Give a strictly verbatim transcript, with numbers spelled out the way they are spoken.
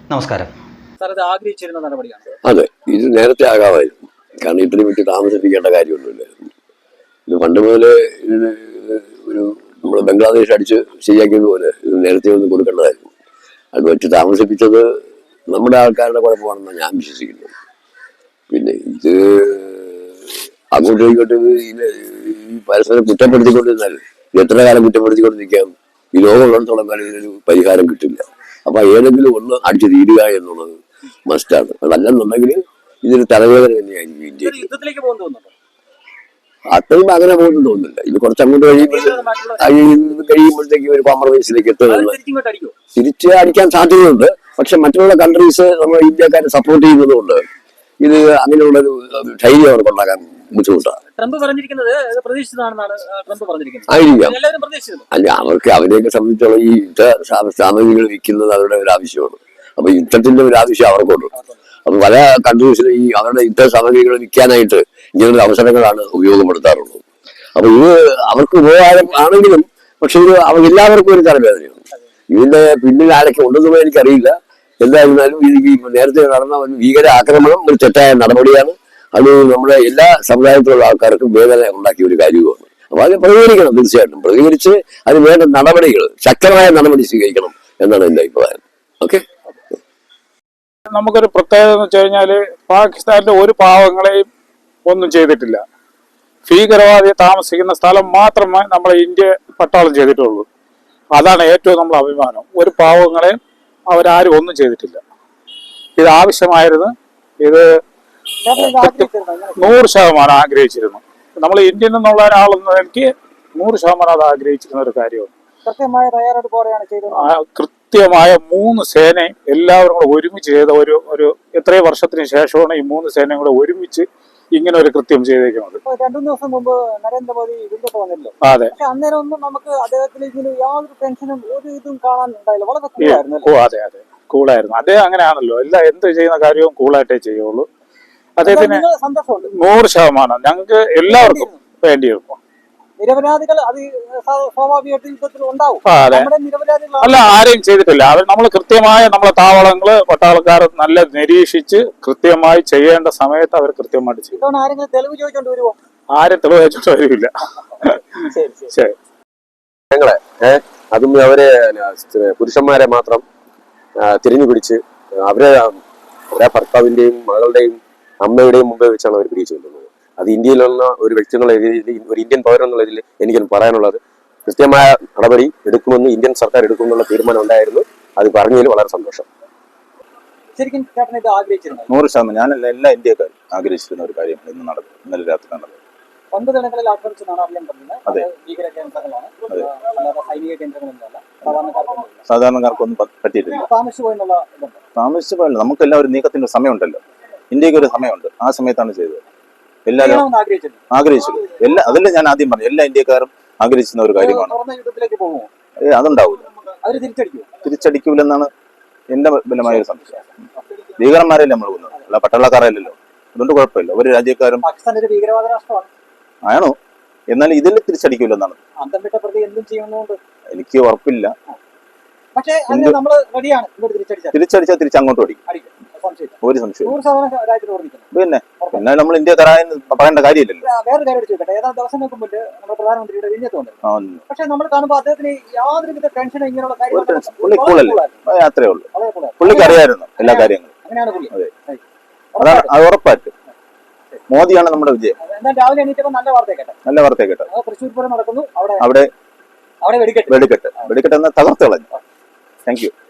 നമസ്കാരം. അതെ, ഇത് നേരത്തെ ആകാമായിരുന്നു. കാരണം ഇത്രയും വിട്ട് താമസിപ്പിക്കേണ്ട കാര്യമൊന്നുമില്ലായിരുന്നു. ഇത് പണ്ട് മുതലേ ഇതിന് ഒരു നമ്മൾ ബംഗ്ലാദേശ് അടിച്ച് ശരിയാക്കിയതുപോലെ ഇത് നേരത്തെ ഒന്ന് കൊടുക്കേണ്ടതായിരുന്നു. അത് വെച്ച് താമസിപ്പിച്ചത് നമ്മുടെ ആൾക്കാരുടെ കുഴപ്പമാണെന്നാണ് ഞാൻ വിശ്വസിക്കുന്നത്. പിന്നെ ഇത് അങ്ങോട്ടും ഇങ്ങോട്ടും ഈ പരസ്പരം കുറ്റപ്പെടുത്തിക്കൊണ്ടിരുന്നാൽ എത്ര കാലം കുറ്റപ്പെടുത്തിക്കൊണ്ടിരിക്കാം? ഈ ലോകം ഉള്ളിടത്തോളം കാലം ഇതിനൊരു പരിഹാരം കിട്ടില്ല. അപ്പൊ ഏതെങ്കിലും ഒന്ന് അടിച്ചു തീരുക എന്നുള്ളത് മസ്റ്റാണ്. അതല്ലെന്നുണ്ടെങ്കിൽ ഇതൊരു തലവേദന തന്നെയായിരിക്കും ഇന്ത്യയിൽ. അത്രയും അങ്ങനെ പോകുന്നു തോന്നുന്നില്ല. ഇത് കുറച്ചങ്ങോട്ട് കഴിയുമ്പോൾ കഴിയുമ്പോഴത്തേക്ക് ഒരു കോംപ്രമൈസിലേക്ക് എത്തുന്നത് തിരിച്ച് അടിക്കാൻ സാധ്യതയുണ്ട്. പക്ഷെ മറ്റുള്ള കൺട്രീസ് നമ്മൾ ഇന്ത്യക്കാരെ സപ്പോർട്ട് ചെയ്യുന്നതുകൊണ്ട് ഇത് അങ്ങനെയുള്ളൊരു ധൈര്യം അവർക്ക് ഉണ്ടാക്കാൻ ബുദ്ധിമുട്ടാണ്. ആയിരിക്കാം. അല്ല, അവർക്ക് അവരെയൊക്കെ സംബന്ധിച്ചോളം ഈ യുദ്ധ സാമഗ്രികൾ വിൽക്കുന്നത് അവരുടെ ഒരു ആവശ്യമാണ്. അപ്പൊ യുദ്ധത്തിന്റെ ഒരു ആവശ്യം അവർക്കുണ്ട്. അപ്പൊ പല കൺട്രീസിലും ഈ അവരുടെ യുദ്ധ സാമഗ്രികൾ വിൽക്കാനായിട്ട് ഇങ്ങനൊരു അവസരങ്ങളാണ് ഉപയോഗപ്പെടുത്താറുള്ളത്. അപ്പൊ ഇത് അവർക്ക് ഉപകാരം ആണെങ്കിലും പക്ഷെ ഇത് അവർ എല്ലാവർക്കും ഒരു തലവേദനയാണ്. ഇതിന്റെ പിന്നിൽ ആരൊക്കെ ഉണ്ടെന്നുള്ളത് എനിക്കറിയില്ല. എന്തായിരുന്നാലും ഇത് നേരത്തെ നടന്ന ഒരു ഭീകര ആക്രമണം ഒരു തെറ്റായ നടപടിയാണ്. അത് നമ്മുടെ എല്ലാ സമുദായത്തിലുള്ള ആൾക്കാർക്കും വേദന ഉണ്ടാക്കിയ ഒരു കാര്യവുമാണ്. അപ്പൊ അത് പ്രതികരിക്കണം, തീർച്ചയായിട്ടും പ്രതികരിച്ച് അതിന് വേണ്ട നടപടികൾ, ശക്തമായ നടപടി സ്വീകരിക്കണം എന്നാണ് എന്റെ അഭിപ്രായം. ഓക്കെ, നമുക്കൊരു പ്രത്യേകത എന്ന് വെച്ച് കഴിഞ്ഞാല് പാകിസ്ഥാനിലെ ഒരു പാവങ്ങളെയും ഒന്നും ചെയ്തിട്ടില്ല. ഭീകരവാദിയെ താമസിക്കുന്ന സ്ഥലം മാത്രമേ നമ്മളെ ഇന്ത്യ പട്ടാളം ചെയ്തിട്ടുള്ളൂ. അതാണ് ഏറ്റവും നമ്മൾ അഭിമാനം. ഒരു പാവങ്ങളെയും അവരാരും ഒന്നും ചെയ്തിട്ടില്ല. ഇത് ആവശ്യമായിരുന്നു. ഇത് നൂറ് ശതമാനം ആഗ്രഹിച്ചിരുന്നു. നമ്മൾ ഇന്ത്യയിൽ നിന്നുള്ള ഒരാളെന്ന് എനിക്ക് നൂറ് ശതമാനം അത് ആഗ്രഹിച്ചിരുന്ന ഒരു കാര്യമാണ്. കൃത്യമായ തയ്യാറെടുപ്പോടെയാണ് ചെയ്തത്. കൃത്യമായ മൂന്ന് സേനയും എല്ലാവരും കൂടെ ഒരുമിച്ച് ചെയ്ത ഒരു ഒരു എത്രയോ വർഷത്തിന് ശേഷമാണ് ഈ മൂന്ന് സേനയും കൂടെ ഒരുമിച്ച് ഇങ്ങനെ ഒരു കൃത്യം ചെയ്തേക്കുന്നത്. രണ്ടു ദിവസം മുമ്പ് നരേന്ദ്രമോദി വിരുദ്ധ വന്നല്ലോ. അതെ, പക്ഷെ അന്നേരം ഒന്നും നമുക്ക് അദ്ദേഹത്തിന് ഇതിന് യാതൊരു ടെൻഷനും ഒരു ഇതും കാണാൻ ഉണ്ടായില്ല. വളരെ കൂളായിരുന്നു. ഓ അതെ അതെ കൂളായിരുന്നു. അദ്ദേഹം അങ്ങനെയാണല്ലോ, എല്ലാ എന്ത് ചെയ്യുന്ന കാര്യവും കൂളായിട്ടേ ചെയ്യുള്ളൂ. അദ്ദേഹത്തിന് നൂറ് ശതമാനം ഞങ്ങൾക്ക് എല്ലാവർക്കും വേണ്ടിയിരുന്നു. നിരപരാധികൾ അത് സ്വാഭാവികമായിട്ട് യുദ്ധത്തിൽ ഉണ്ടാവും. അല്ല, ആരെയും ചെയ്തിട്ടില്ല. അവർ നമ്മൾ കൃത്യമായ നമ്മളെ താവളങ്ങള് പട്ടാളക്കാർ നല്ല നിരീക്ഷിച്ച് കൃത്യമായി ചെയ്യേണ്ട സമയത്ത് അവർ കൃത്യമായിട്ട് ചെയ്യും. ആരെങ്കിലും തെളിവ് ചോദിച്ചോണ്ട് വരുമോ? ആരും തെളിവ് ചോദിച്ചോണ്ട് വരില്ല. ശരി, ഞങ്ങളെ ഏഹ് അതും അവരെ പുരുഷന്മാരെ മാത്രം തിരിഞ്ഞു പിടിച്ച് അവരെ അവരെ ഭർത്താവിന്റെയും മകളുടെയും അമ്മയുടെയും മുമ്പേ വെച്ചാണ് അവർ പിടിച്ചു കൊണ്ടുവന്നത്. അത് ഇന്ത്യയിലുള്ള ഒരു വ്യക്തി എന്നുള്ള രീതിയിൽ, ഒരു ഇന്ത്യൻ പൗരൻ എന്നുള്ള രീതിയിൽ എനിക്കും പറയാനുള്ളത്, കൃത്യമായ നടപടി എടുക്കുമെന്ന് ഇന്ത്യൻ സർക്കാർ എടുക്കുമെന്നുള്ള തീരുമാനം ഉണ്ടായിരുന്നു. അത് പറഞ്ഞതിൽ വളരെ സന്തോഷം. ശരിക്കും നൂറ് ശതമാനം ഞാനല്ല എല്ലാ ഇന്ത്യക്കാരും ആഗ്രഹിച്ചിരുന്ന ഒരു കാര്യം ഇന്ന് നടന്നു. ഇന്നലെ രാത്രി നടന്നു. ഒൻപത് ഇടങ്ങളിൽ ആക്രമിച്ചെന്നാണ് അറിയാൻ പറ്റുന്നത്. ഭീകര കേന്ദ്രങ്ങളാണ്, സൈനിക കേന്ദ്രങ്ങളൊന്നുമല്ല. സാധാരണക്കാർക്കൊന്നും പറ്റിയിട്ടില്ല. താമസിച്ചു പോയെന്നുള്ള താമസിച്ചു പോയല്ലോ. നമുക്കെല്ലാം ഒരു നീക്കത്തിന്റെ സമയമുണ്ടല്ലോ. ഇന്ത്യക്ക് ഒരു സമയമുണ്ട്. ആ സമയത്താണ് ചെയ്തത്. എല്ലാവരും ആഗ്രഹിച്ചു. എല്ലാ അതല്ലേ ഞാൻ ആദ്യം പറഞ്ഞു, എല്ലാ ഇന്ത്യക്കാരും ആഗ്രഹിച്ചിരുന്ന ഒരു കാര്യമാണ്. ഏ അതുണ്ടാവില്ല, തിരിച്ചടിക്കൂലെന്നാണ് എന്റെ ബലമായ ഒരു സംശയം. ഭീകരന്മാരല്ലേ നമ്മൾ കൊന്നത്, അല്ല പട്ടാളക്കാരല്ലല്ലോ. അതുകൊണ്ട് കുഴപ്പമില്ല. ഒരു രാജ്യക്കാരും ആണോ, എന്നാൽ ഇതിൽ തിരിച്ചടിക്കൂലെന്നാണ് എനിക്ക് ഉറപ്പില്ല. തിരിച്ചടിച്ചാൽ തിരിച്ചങ്ങോട്ട് അടിക്കും, ഒരു സംശയം. പിന്നെ പിന്നെ നമ്മൾ ഇന്ത്യക്കാരായെന്ന് പറയേണ്ട കാര്യമില്ലല്ലോ. വേറെ കാര്യം ചോദിക്കട്ടെ, ഏതാനും ദിവസങ്ങൾക്ക് മുമ്പ് നമ്മുടെ പ്രധാനമന്ത്രിയുടെ വിഞ്ഞത്ത് വന്നു. പക്ഷെ നമ്മൾ കാണുമ്പോൾ അദ്ദേഹത്തിന് യാതൊരുവിധ ടെൻഷനും ഇങ്ങനെയുള്ള കാര്യങ്ങൾ അത്രേ ഉള്ളൂ. പുള്ളിക്ക് അറിയായിരുന്നു എല്ലാ കാര്യങ്ങളും. അങ്ങനെയാണ് പുള്ളി. അതാണ് അത് ഉറപ്പായിട്ട്. മോദിയാണ് നമ്മുടെ വിജയം. രാവിലെ എണീറ്റപ്പോൾ നല്ല വാർത്ത കേട്ടെ. നല്ല വാർത്ത കേട്ടെ. തൃശ്ശൂർ പൂരം നടക്കുന്നു. അവിടെ അവിടെ അവിടെ വെടിക്കെട്ട് വെടിക്കെട്ട് വെടിക്കെട്ട് എന്ന തകർത്ത് കളഞ്ഞു. Thank U.